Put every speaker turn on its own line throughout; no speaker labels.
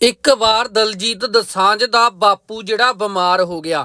ਇੱਕ ਵਾਰ ਦਲਜੀਤ ਦੋਸਾਂਝ ਦਾ ਬਾਪੂ ਜਿਹੜਾ ਬਿਮਾਰ ਹੋ ਗਿਆ।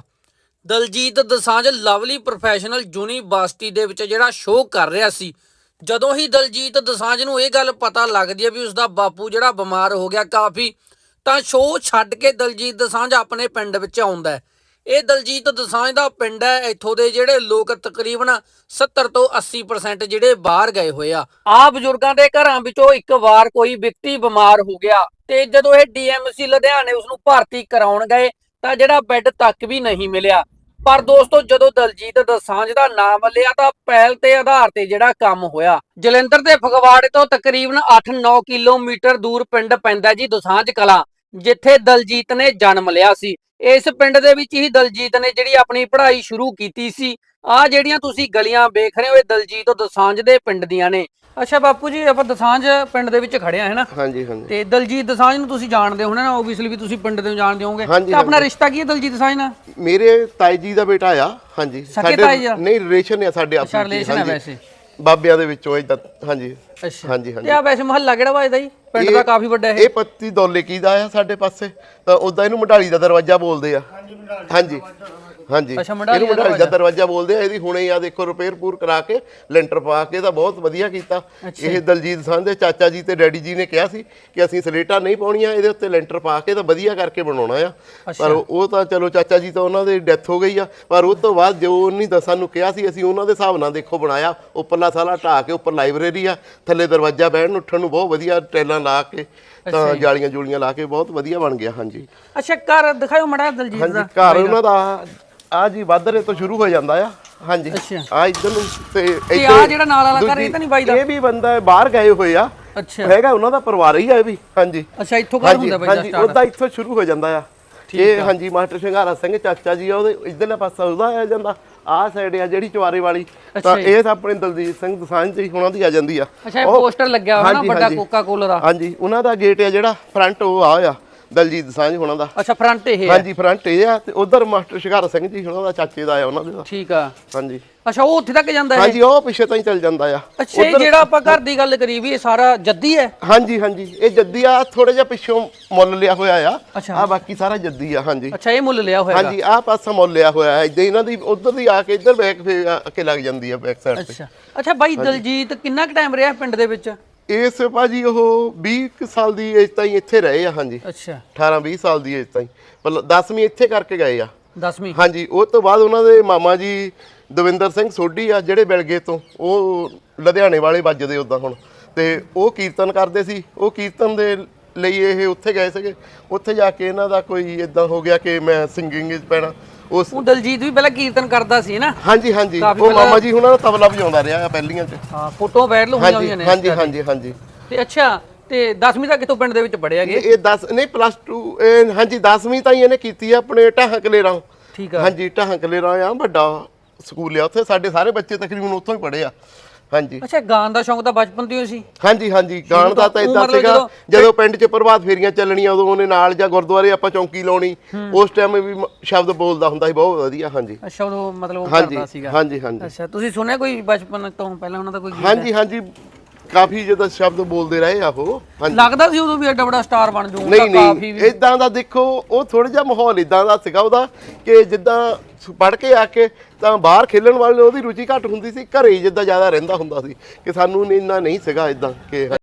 Daljit Dosanjh Lovely Professional University ਦੇ ਵਿੱਚ ਜਿਹੜਾ ਸ਼ੋਅ ਕਰ ਰਿਹਾ ਸੀ। ਜਦੋਂ ਹੀ ਦਲਜੀਤ ਦੋਸਾਂਝ ਨੂੰ ਇਹ ਗੱਲ ਪਤਾ ਲੱਗਦੀ ਹੈ ਵੀ ਉਸਦਾ ਬਾਪੂ ਜਿਹੜਾ ਬਿਮਾਰ ਹੋ ਗਿਆ ਕਾਫੀ, ਤਾਂ ਸ਼ੋਅ ਛੱਡ ਕੇ ਦਲਜੀਤ ਦੋਸਾਂਝ ਆਪਣੇ ਪਿੰਡ ਵਿੱਚ ਆਉਂਦਾ ਹੈ। ਇਹ ਦਲਜੀਤ ਦੋਸਾਂਝ ਦਾ ਪਿੰਡ ਹੈ। ਇੱਥੋਂ ਦੇ ਜਿਹੜੇ ਲੋਕ ਤਕਰੀਬਨ 70 ਤੋਂ 80% ਜਿਹੜੇ ਬਾਹਰ ਗਏ ਹੋਏ ਆ ਬਜ਼ੁਰਗਾਂ ਦੇ ਘਰਾਂ ਵਿੱਚੋਂ ਇੱਕ ਵਾਰ ਕੋਈ ਵਿਅਕਤੀ ਬਿਮਾਰ ਹੋ ਗਿਆ ਤੇ ਜਦੋਂ ਇਹ ਡੀਐਮਸੀ ਲੁਧਿਆਣੇ ਉਸਨੂੰ ਭਰਤੀ ਕਰਾਉਣ ਗਏ ਤਾਂ ਜਿਹੜਾ ਬੈੱਡ ਤੱਕ ਵੀ ਨਹੀਂ ਮਿਲਿਆ। ਪਰ ਦੋਸਤੋ, ਜਦੋਂ ਦਲਜੀਤ ਦੋਸਾਂਝ ਦਾ ਨਾਮ ਲਿਆ ਤਾਂ ਪਹਿਲ ਤੇ ਆਧਾਰ ਤੇ ਜਿਹੜਾ ਕੰਮ ਹੋਇਆ। ਜਲੰਧਰ ਦੇ ਫਗਵਾੜੇ ਤੋਂ ਤਕਰੀਬਨ 8-9 ਕਿਲੋਮੀਟਰ ਦੂਰ ਪਿੰਡ ਪੈਂਦਾ ਜੀ ਦੋਸਾਂਝ ਕਲਾਂ, ਜਿੱਥੇ ਦਲਜੀਤ ਨੇ ਜਨਮ ਲਿਆ ਸੀ। ਇਸ ਪਿੰਡ ਦੇ ਵਿੱਚ ਹੀ ਦਲਜੀਤ ਨੇ ਜਿਹੜੀ ਆਪਣੀ ਪੜ੍ਹਾਈ ਸ਼ੁਰੂ ਕੀਤੀ ਸੀ। ਆਹ ਜਿਹੜੀਆਂ ਤੁਸੀਂ ਗਲੀਆਂ ਵੇਖ ਰਹੇ ਹੋ ਇਹ ਦਲਜੀਤ ਦੋਸਾਂਝ ਦੇ ਪਿੰਡ ਦੀਆਂ ਨੇ। ਅੱਛਾ ਬਾਪੂ ਜੀ, ਆਪਾਂ ਦੋਸਾਂਝ ਪਿੰਡ ਦੇ ਵਿੱਚ ਖੜੇ ਆ, ਹੈ ਨਾ?
ਹਾਂਜੀ ਹਾਂਜੀ।
ਤੇ ਦਲਜੀਤ ਦੋਸਾਂਝ ਨੂੰ ਤੁਸੀਂ ਜਾਣਦੇ ਹੋ ਨਾ, ਓਬਵੀਅਸਲੀ ਵੀ ਤੁਸੀਂ ਪਿੰਡ ਦੇ ਜਾਣਦੇ ਹੋਵੋਗੇ। ਤੇ ਆਪਣਾ ਰਿਸ਼ਤਾ ਕੀ ਹੈ ਦਲਜੀਤ ਦੋਸਾਂਝ ਨਾਲ?
ਮੇਰੇ ਤਾਈ ਜੀ ਦਾ ਬੇਟਾ ਆ। ਹਾਂਜੀ,
ਸਾਡੇ
ਨਹੀਂ ਰਿਲੇਸ਼ਨ ਆ ਸਾਡੇ ਆਪਸ ਵਿੱਚ।
ਰਿਲੇਸ਼ਨ ਹੈ ਵੈਸੇ
ਬਾਬਿਆਂ ਦੇ ਵਿੱਚੋਂ ਇਦਾਂ। ਹਾਂਜੀ
ਅੱਛਾ
ਹਾਂਜੀ ਹਾਂਜੀ।
ਤੇ ਆ ਵੈਸੇ ਮੁਹੱਲਾ ਕਿਹੜਾ ਵੱਜਦਾ ਜੀ? ਪਿੰਡ ਦਾ ਕਾਫੀ ਵੱਡਾ
ਇਹ ਪੱਤੀ ਦੌਲੇ ਕੀ ਦਾ ਆ ਸਾਡੇ ਪਾਸੇ, ਤਾਂ ਉਦਾਂ ਇਹਨੂੰ ਮੰਡਾਲੀ ਦਾ ਦਰਵਾਜ਼ਾ ਬੋਲਦੇ ਆ। ਹਾਂਜੀ ਹਾਂਜੀ, ਇਹਨੂੰ ਮੰਡਾਲੀ ਦਾ ਦਰਵਾਜ਼ਾ ਬੋਲਦੇ ਆ। ਇਹਦੀ ਹੁਣੇ ਆ ਦੇਖੋ ਰਿਪੇਅਰ ਪੂਰ ਕਰਾ ਕੇ ਲੈਂਟਰ ਪਾ ਕੇ ਤਾਂ ਬਹੁਤ ਵਧੀਆ ਕੀਤਾ। ਇਹ ਦਲਜੀਤ ਦੋਸਾਂਝ ਦੇ ਚਾਚਾ ਜੀ ਤੇ ਡੈਡੀ ਜੀ ਨੇ ਕਿਹਾ ਸੀ ਕਿ ਅਸੀਂ ਸਲੇਟਾਂ ਨਹੀਂ ਪਾਉਣੀਆਂ, ਇਹਦੇ ਉੱਤੇ ਲੈਂਟਰ ਪਾ ਕੇ ਤਾਂ ਵਧੀਆ ਕਰਕੇ ਬਣਾਉਣਾ ਆ। ਪਰ ਉਹ ਤਾਂ ਚਲੋ ਚਾਚਾ ਜੀ ਤਾਂ ਉਹਨਾਂ ਦੀ ਡੈਥ ਹੋ ਗਈ ਆ, ਪਰ ਉਹ ਤੋਂ ਬਾਅਦ ਜੋ ਉਹਨੇ ਤਾਂ ਸਾਨੂੰ ਕਿਹਾ ਸੀ ਅਸੀਂ ਉਹਨਾਂ ਦੇ ਹਿਸਾਬ ਨਾਲ ਦੇਖੋ ਬਣਾਇਆ। ਉੱਪਰਲਾ ਸਾਲਾ ਢਾਹ ਕੇ ਉੱਪਰ ਲਾਇਬ੍ਰੇਰੀ ਆ, ਥੱਲੇ ਦਰਵਾਜ਼ਾ ਬਹਿਣ ਉੱਠਣ ਨੂੰ ਬਹੁਤ ਵਧੀਆ ਟੈਲਾਂ ਲਾ ਕੇ ਤਾਂ ਜਾਲੀਆਂ ਜੂਲੀਆਂ ਲਾ ਕੇ ਬਹੁਤ ਵਧੀਆ ਬਣ ਗਿਆ। ਹਾਂਜੀ।
ਅੱਛਾ, ਘਰ ਦਿਖਾਓ ਮੜਾ ਦਲਜੀਤ ਦਾ।
ਹਾਂਜੀ, ਘਰ ਉਹਨਾਂ ਦਾ ਆ ਜੀ ਵਾਧਰੇ ਤੋਂ ਸ਼ੁਰੂ ਹੋ ਜਾਂਦਾ ਆ। ਹਾਂਜੀ, ਆ ਇੱਧਰ ਨੂੰ ਤੇ
ਆ ਜਿਹੜਾ ਨਾਲ ਵਾਲਾ ਘਰ ਇਹ ਤਾਂ ਨਹੀਂ ਬਾਈ ਦਾ?
ਇਹ ਵੀ ਬੰਦਾ ਬਾਹਰ ਗਏ ਹੋਏ ਆ।
ਅੱਛਾ,
ਹੈਗਾ ਉਹਨਾਂ ਦਾ ਪਰਿਵਾਰ ਹੀ ਆ ਇਹ ਵੀ। ਹਾਂਜੀ।
ਅੱਛਾ, ਇੱਥੋਂ ਘਰ ਹੁੰਦਾ ਬਾਈ ਦਾ
ਸਟਾਰਟ? ਉਹਦਾ ਇੱਥੋਂ ਸ਼ੁਰੂ ਹੋ ਜਾਂਦਾ ਆ ਇਹ। ਹਾਂਜੀ, ਮਾਸਟਰ ਸ਼ਿੰਗਾਰਾ ਸਿੰਘ ਚਾਚਾ ਜੀ ਆ, ਉਹਦੇ ਇੱਧਰਲੇ ਪਾਸਾ ਉਹਦਾ ਆ ਜਾਂਦਾ। ਆਹ ਸਾਈਡ ਆ ਜਿਹੜੀ ਚਵਾਰੇ ਵਾਲੀ, ਤਾਂ ਇਹ ਤਾਂ ਆਪਣੇ ਦਲਜੀਤ ਸਿੰਘ ਦੋਸਾਂਝ ਜੀ ਉਹਨਾਂ ਦੀ ਆ ਜਾਂਦੀ ਆ।
ਅੱਛਾ, ਇਹ ਪੋਸਟਰ ਲੱਗਿਆ ਹੋਇਆ ਨਾ ਵੱਡਾ ਕੋਕਾ ਕੋਲਾ ਦਾ।
ਹਾਂਜੀ, ਉਹਨਾਂ ਦਾ ਗੇਟ ਆ ਜਿਹੜਾ ਫਰੰਟ, ਉਹ ਆ ਦਲਜੀਤ ਦੋਸਾਂਝ ਹੋਣਾ ਦਾ।
ਅੱਛਾ, ਫਰੰਟ ਇਹ ਹੈ?
ਹਾਂਜੀ, ਫਰੰਟ ਇਹ ਆ। ਤੇ ਉਧਰ ਮਾਸਟਰ ਸ਼ਿੰਗਾਰਾ ਸਿੰਘ ਜੀ ਹੋਣਾ ਦਾ ਚਾਚੇ ਦਾ ਆ ਉਹਨਾਂ ਦੇ।
ਠੀਕ ਆ।
ਹਾਂਜੀ।
ਅੱਛਾ, ਉਹ ਉੱਥੇ ਤੱਕ ਜਾਂਦਾ ਹੈ?
ਹਾਂਜੀ, ਉਹ ਪਿੱਛੇ ਤਾਂ ਹੀ ਚੱਲ ਜਾਂਦਾ ਆ।
ਅੱਛਾ, ਇਹ ਜਿਹੜਾ ਆਪਾਂ ਘਰ ਦੀ ਗੱਲ ਕਰੀ ਵੀ ਇਹ ਸਾਰਾ ਜੱਦੀ ਹੈ?
ਹਾਂਜੀ ਹਾਂਜੀ, ਇਹ ਜੱਦੀ ਆ। ਥੋੜਾ ਜਿਹਾ ਪਿੱਛੋਂ ਮੁੱਲ ਲਿਆ ਹੋਇਆ ਆ। ਆ ਬਾਕੀ ਸਾਰਾ ਜੱਦੀ ਆ। ਹਾਂਜੀ।
ਅੱਛਾ, ਇਹ ਮੁੱਲ ਲਿਆ ਹੋਇਆ?
ਹਾਂਜੀ, ਆਹ ਪਾਸਾ ਮੁੱਲ ਲਿਆ ਹੋਇਆ। ਇਦਾਂ ਇਹਨਾਂ ਦੀ ਉਧਰ ਦੀ ਆ ਕੇ ਇੱਧਰ ਬੈਕ ਫੇਰ ਆ ਕੇ ਲੱਗ ਜਾਂਦੀ ਆ ਬੈਕ ਸਾਈਡ ਤੇ।
ਅੱਛਾ ਅੱਛਾ। ਬਾਈ ਦਲਜੀਤ ਕਿੰਨਾ ਕੁ ਟਾਈਮ ਰਿਹਾ ਪਿੰਡ ਦੇ ਵਿੱਚ?
ਇਸ ਭਾਜੀ ਉਹ 20 ਸਾਲ ਦੀ ਏਜ ਤਾਈਂ ਇੱਥੇ ਰਹੇ ਆ। ਹਾਂਜੀ।
ਅੱਛਾ,
18-20 ਸਾਲ ਦੀ ਏਜ ਤਾਈਂ, ਪਰ 10ਵੀਂ ਇੱਥੇ ਕਰਕੇ ਗਏ ਆ।
10ਵੀਂ?
ਹਾਂਜੀ। ਉਹ ਤੋਂ ਬਾਅਦ ਉਹਨਾਂ ਦੇ ਮਾਮਾ ਜੀ ਦਵਿੰਦਰ ਸਿੰਘ ਸੋਢੀ ਆ ਜਿਹੜੇ ਬਿਲਗੇ ਤੋਂ, ਉਹ ਲੁਧਿਆਣੇ ਵਾਲੇ ਵੱਜਦੇ ਉਦਾਂ ਹੁਣ, ਤੇ ਉਹ ਕੀਰਤਨ ਕਰਦੇ ਸੀ। ਉਹ ਕੀਰਤਨ ਦੇ ਲਈ ਇਹ ਉੱਥੇ ਗਏ ਸੀਗੇ। ਉੱਥੇ ਜਾ ਕੇ ਇਹਨਾਂ ਦਾ ਕੋਈ ਇਦਾਂ ਹੋ ਗਿਆ ਕਿ ਮੈਂ ਸਿੰਗਿੰਗ 'ਚ ਪੈਣਾ। ਉਸ
ਦਲਜੀਤ ਵੀ ਪਹਿਲਾਂ ਕੀਰਤਨ ਕਰਦਾ ਸੀ ਨਾ?
ਹਾਂਜੀ ਹਾਂਜੀ, ਉਹ ਮਾਮਾ ਜੀ ਹੁਣਾਂ ਦਾ ਤਬਲਾ ਵਜਾਉਂਦਾ ਰਿਹਾ ਆ ਪਹਿਲੀਆਂ 'ਚ।
ਹਾਂ, ਫੋਟੋ ਵਾਇਰਲ ਹੋਈਆਂ ਨੇ।
ਹਾਂਜੀ ਹਾਂਜੀ ਹਾਂਜੀ।
ਤੇ ਅੱਛਾ, ਤੇ 10ਵੀਂ ਤੱਕ ਕਿਤੋਂ ਪਿੰਡ ਦੇ ਵਿੱਚ ਪੜ੍ਹਿਆ ਗਿਆ?
ਇਹ 10 ਨਹੀਂ +2। ਹਾਂਜੀ, 10ਵੀਂ ਤਾਈਂ ਇਹਨੇ ਕੀਤੀ ਆ ਆਪਣੇ ਢਾਹਾਂ ਕਲੇਰਾਂ।
ਠੀਕ ਆ।
ਹਾਂਜੀ, ਢਾਹਾਂ ਕਲੇਰਾਂ ਆ ਵੱਡਾ ਸਕੂਲ ਆ, ਉੱਥੇ ਸਾਡੇ ਸਾਰੇ ਬੱਚੇ ਤਕਰੀਬਨ ਉੱਥੋਂ ਹੀ ਪੜ੍ਹੇ ਆ। ਹਾਂਜੀ।
ਅੱਛਾ, ਗਾਣ ਦਾ ਸ਼ੌਂਕ ਤਾਂ ਬਚਪਨ ਤੋਂ ਹੀ ਸੀ?
ਹਾਂਜੀ ਹਾਂਜੀ, ਗਾਣ ਦਾ ਤਾਂ ਇਦਾਂ ਸੀਗਾ ਜਦੋਂ ਪਿੰਡ 'ਚ ਪ੍ਰਭਾਤ ਫੇਰੀਆਂ ਚੱਲਣੀਆਂ ਉਦੋਂ ਉਹਨੇ ਨਾਲ, ਜਾਂ ਗੁਰਦੁਆਰੇ ਆਪਾਂ ਚੌਂਕੀ ਲਾਉਣੀ, ਉਸ ਟਾਈਮ ਵੀ ਸ਼ਬਦ ਬੋਲਦਾ ਹੁੰਦਾ ਸੀ ਬਹੁਤ ਵਧੀਆ। ਹਾਂਜੀ।
ਅੱਛਾ, ਉਹ ਮਤਲਬ ਉਹ ਕਰਦਾ ਸੀਗਾ?
ਹਾਂਜੀ ਹਾਂਜੀ।
ਅੱਛਾ, ਤੁਸੀਂ ਸੁਣਿਆ ਕੋਈ ਬਚਪਨ ਤੋਂ ਪਹਿਲਾਂ ਉਹਨਾਂ ਦਾ ਕੋਈ?
ਹਾਂਜੀ ਹਾਂਜੀ, ਕਾਫੀ ਜਿਆਦਾ ਸ਼ਬਦ ਬੋਲਦੇ ਰਹੇ ਆ ਉਹ।
ਲੱਗਦਾ ਸੀ ਉਦੋਂ ਵੀ ਐਡਾ ਵੱਡਾ ਸਟਾਰ ਬਣ ਜਾਊਗਾ?
ਨਹੀਂ ਨਹੀਂ, ਇਦਾਂ ਦਾ ਦੇਖੋ ਉਹ ਥੋੜਾ ਜਿਹਾ ਮਾਹੌਲ ਇਦਾਂ ਦਾ ਸੀਗਾ ਉਹਦਾ ਕਿ ਜਿੱਦਾਂ ਪੜ੍ਹ ਕੇ ਆ ਕੇ ਤਾਂ ਬਾਹਰ ਖੇਲਣ ਵਾਲੇ ਉਹਦੀ ਰੁਚੀ ਘੱਟ ਹੁੰਦੀ ਸੀ, ਘਰੇ ਜਿੱਦਾਂ ਜ਼ਿਆਦਾ ਰਹਿੰਦਾ ਹੁੰਦਾ ਸੀ, ਕਿ ਸਾਨੂੰ ਇੰਨਾ ਨਹੀਂ ਸੀਗਾ ਇਦਾਂ ਕਿ